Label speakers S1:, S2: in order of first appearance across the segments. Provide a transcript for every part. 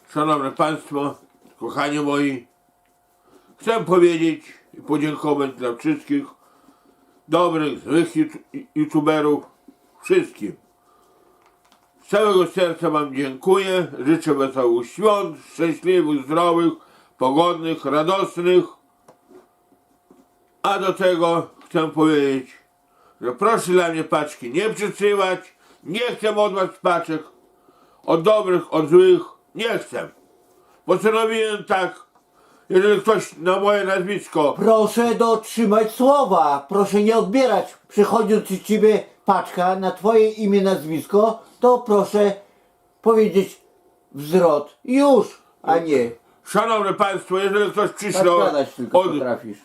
S1: Szanowni Państwo, kochani moi, chcę powiedzieć i podziękować dla wszystkich dobrych, złych youtuberów, wszystkim. Z całego serca Wam dziękuję, życzę wesołych świąt, szczęśliwych, zdrowych, pogodnych, radosnych. A do tego chcę powiedzieć, że proszę dla mnie paczki nie przesyłać, nie chcę od Was paczek, od dobrych, od złych, nie chcę. Postanowiłem tak, jeżeli ktoś na moje nazwisko,
S2: Proszę dotrzymać słowa, proszę nie odbierać. Przychodzi do ciebie paczka na twoje imię, nazwisko, to proszę powiedzieć wzrot. Już, a nie.
S1: szanowni Państwo, jeżeli ktoś
S2: Tak
S1: przyśle
S2: gadać tylko
S1: od
S2: potrafisz.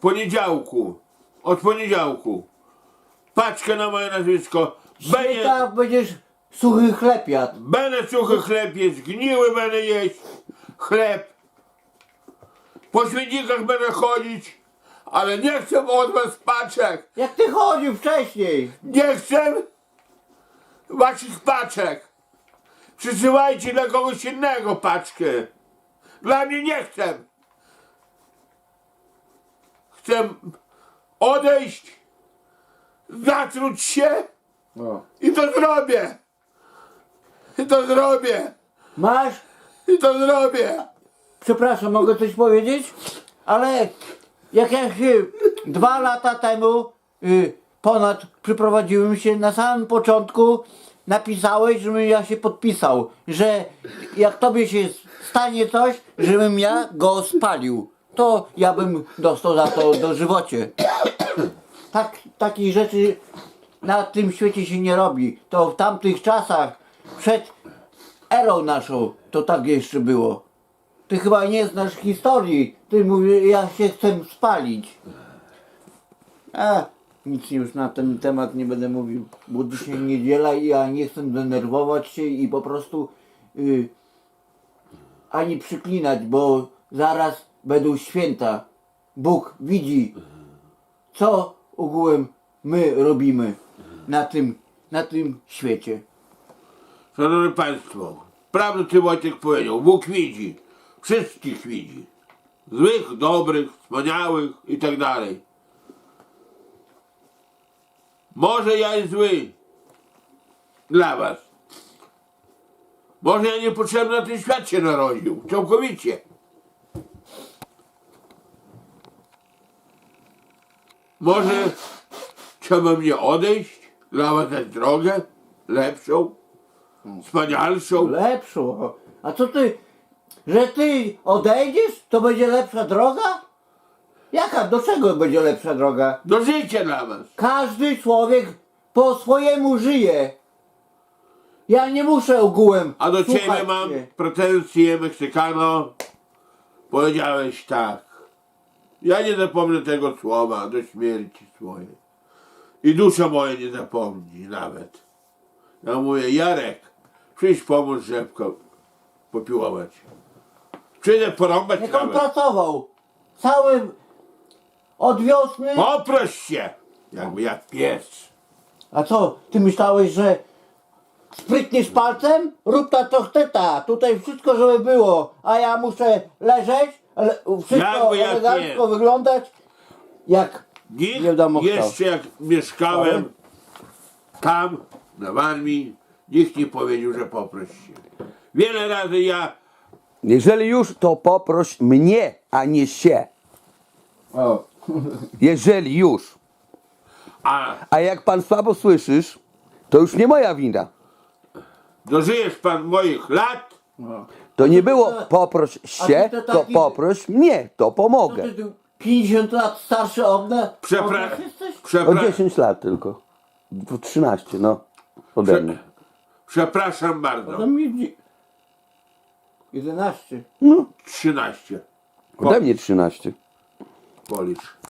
S1: poniedziałku paczkę na moje nazwisko,
S2: Dzisiaj tak będziesz suchy chleb jadł.
S1: będę suchy chleb jeść, zgniły będę jeść chleb, po śmietnikach będę chodzić, ale nie chcę od Was paczek,
S2: Jak ty chodził wcześniej.
S1: nie chcę Waszych paczek. Przysyłajcie dla kogoś innego paczkę. Dla mnie nie chcę. Chcę odejść, zatruć się
S2: O.
S1: i to zrobię. I to zrobię.
S2: Masz?
S1: I to zrobię.
S2: Przepraszam, mogę coś powiedzieć? Ale jak ja się 2 lata temu ponad przyprowadziłem się, na samym początku napisałeś, żebym ja się podpisał, że jak tobie się stanie coś, żebym ja go spalił, to ja bym dostał za to dożywocie. Takich rzeczy na tym świecie się nie robi. To w tamtych czasach, przed erą naszą, to tak jeszcze było. Ty chyba nie znasz historii. Ty mówisz, ja się chcę spalić. Nic już na ten temat nie będę mówił, bo dzisiaj niedziela i ja nie chcę denerwować się i po prostu ani przyklinać, bo zaraz będą święta. Bóg widzi, co ogółem my robimy na tym świecie.
S1: Szanowni Państwo, prawdę Ty Wojtek powiedział, Bóg widzi, wszystkich widzi. Złych, dobrych, wspaniałych i tak dalej. Może ja jest zły dla Was. Może ja niepotrzebny na ten świat się narodził, całkowicie. Może trzeba mnie odejść, dla Was dać drogę lepszą, wspanialszą.
S2: Lepszą. A co ty, że ty odejdziesz, to będzie lepsza droga? Jaka, do czego będzie lepsza droga?
S1: Do życia dla Was.
S2: Każdy człowiek po swojemu żyje. Ja nie muszę ogółem
S1: A do
S2: słuchać
S1: Ciebie mam
S2: cię.
S1: pretensje, Meksykano. Powiedziałeś tak. Ja nie zapomnę tego słowa do śmierci swojej. I dusza moja nie zapomni nawet. Ja mówię, Jarek, przyjdź pomóż rzepko popiłować. Przyjdę porąbać
S2: Jak on
S1: nawet.
S2: pracował cały od wiosny.
S1: Poproś się, jakby jak pies.
S2: A co, ty myślałeś, że sprytniesz palcem? Rób ta to chce. Tutaj wszystko żeby było, a ja muszę leżeć, ale wszystko
S1: Jakby jak
S2: elegancko
S1: nie.
S2: wyglądać jak
S1: Nikt
S2: nie wiadomo kto.
S1: jeszcze jak mieszkałem tam, na Warmii, nikt nie powiedział, że poproś się. Wiele razy ja
S3: Jeżeli już, to poproś mnie, a nie się.
S2: O.
S3: Jeżeli już. A jak pan słabo słyszysz, to już nie moja wina.
S1: dożyjesz pan moich lat,
S3: To nie było poproś się,
S2: ty to
S3: to
S2: taki-
S3: poproś mnie, to
S2: To
S3: pomogę.
S2: ty tu 50 lat starszy od nas jesteś?
S3: O 10 lat tylko. 13, no. Ode mnie.
S1: Przepraszam bardzo.
S2: To mi 11.
S3: No,
S1: 13.
S3: ode mnie 13.
S1: Policz.